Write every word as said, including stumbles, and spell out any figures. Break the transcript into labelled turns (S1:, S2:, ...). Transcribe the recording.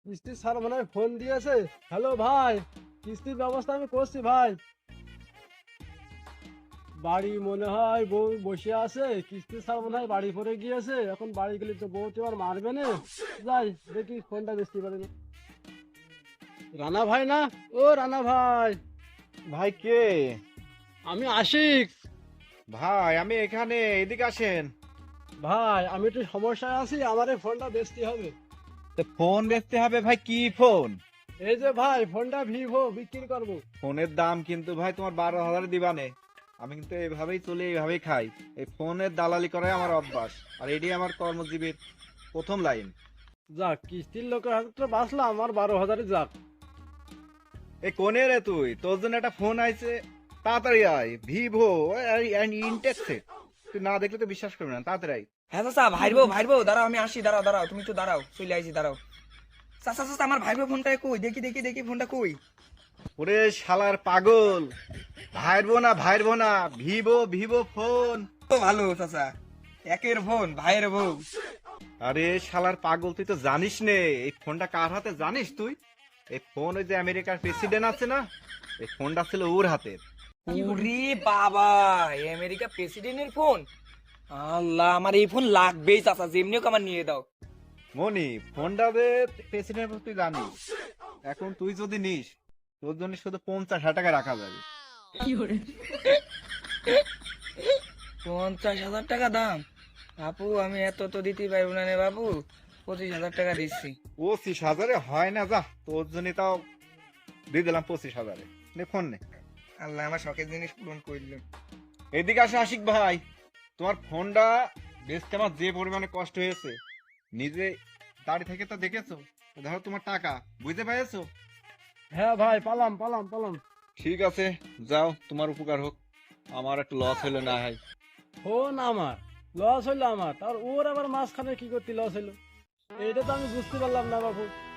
S1: কিস্তির স্যার মনে হয় ফোন দিয়েছে। হ্যালো ভাই, কিস্তির ব্যবস্থা আমি করছি ভাই। বাড়ি মনে হয় বউ বসে আছে, কিস্তির স্যার মনে হয় বাড়ি পরে গিয়েছে, এখন বাড়ি গেলে তো বউ তো আর মারবে না। যাই দেখি ফোনটা বেচতে পারি না। রানা ভাই না? ও রানা ভাই,
S2: ভাই কে?
S1: আমি আশিক।
S2: ভাই আমি এখানে, এদিকে আসেন।
S1: ভাই আমি একটু সমস্যায় আছি, আমার এই ফোনটা বেচতে হবে।
S2: তো ফোন দেখতে হবে ভাই, কি ফোন?
S1: এই যে ভাই ফোনটা ভিভো বিক্রি করবো।
S2: ফোনের দাম কিন্তু ভাই তোমার বারো হাজার দিবানে। আমি কিন্তু এইভাবেই চলি, এইভাবেই খাই। এই ফোনের দালালি করাই আমার অভ্যাস, আর এটি আমার কর্মজীবীর প্রথম লাইন।
S1: যাক, কিস্তির লোকের হাতে তো বাঁচলাম, আমার বারো হাজারই যাক।
S2: এ কোনে রে তুই? তোর জন্য একটা ফোন আইছে, তাড়াতাড়ি আয়। ভিভো ইনটেক্সে, তুই না দেখলে তো বিশ্বাস করবি না, তাড়াতাড়ি আয়।
S3: হ্যাঁ চাচা, ভাইরবো ভাইরবো দাঁড়াও, আমি আসি, দাঁড়াও দাঁড়াও, তুমি তো দাঁড়াও, চলে আইছি, দাঁড়াও। চাচা চাচা, আমার ভাইরবো ফোনটা কই? দেখি দেখি দেখি ফোনটা কই?
S2: ওরে শালার পাগল, ভাইরবো না ভাইরবো না, ভিভো ভিভো ফোন।
S3: তো ভালো চাচা, একের ফোন, ভাইয়ের বউ।
S2: আরে শালার পাগল, তুই তো জানিস নে এই ফোনটা কার হাতে জানিস তুই? এই ফোন ওই যে আমেরিকার প্রেসিডেন্ট আছে না, এই ফোনটা ছিল ওর হাতে।
S3: ওরে বাবা, এই আমেরিকা প্রেসিডেন্টের ফোন! আল্লাহ, আমার এই ফোন লাগবেই চাচা, যেমনি হোক আমার নিয়ে দাও।
S2: মনি, ফোনটা যে প্রেসিডেন্ট তুই জানিস, এখন তুই যদি নিস, তোর জন্য শুধু পঞ্চাশ হাজার টাকা রাখা যাবে।
S3: পঞ্চাশ হাজার টাকা দাম? বাপু, আমি এত তো দিতে পারবো না রে বাবু, পঁচিশ হাজার টাকা দিচ্ছি।
S2: পঁচিশ হাজারে হয় না, যা তোর জন্য তাও দিয়ে দিলাম পঁচিশ হাজারে। নে ফোন নে।
S3: আল্লাহ, আমার শখের জিনিস পূরণ করলো।
S2: এদিকে আসে আশিক ভাই, তোমার ফোনটা বেচতে আমার যে পরিমাণে কষ্ট হয়েছে, নিজে দাঁড়িয়ে থেকে তো দেখেছো। তো ধরো তোমার টাকা, বুঝতে পেরেছো?
S1: হ্যাঁ ভাই, পালাম পালাম পালাম।
S2: ঠিক আছে, যাও, তোমার উপকার হোক, আমার একটু লস হলো না হয়।
S1: ফোন আমার লস হইলো, আমার তার ওর আবার মাঝখানে কি করতে লস হইলো, এইটা তো আমি বুঝতে পারলাম না বাবু।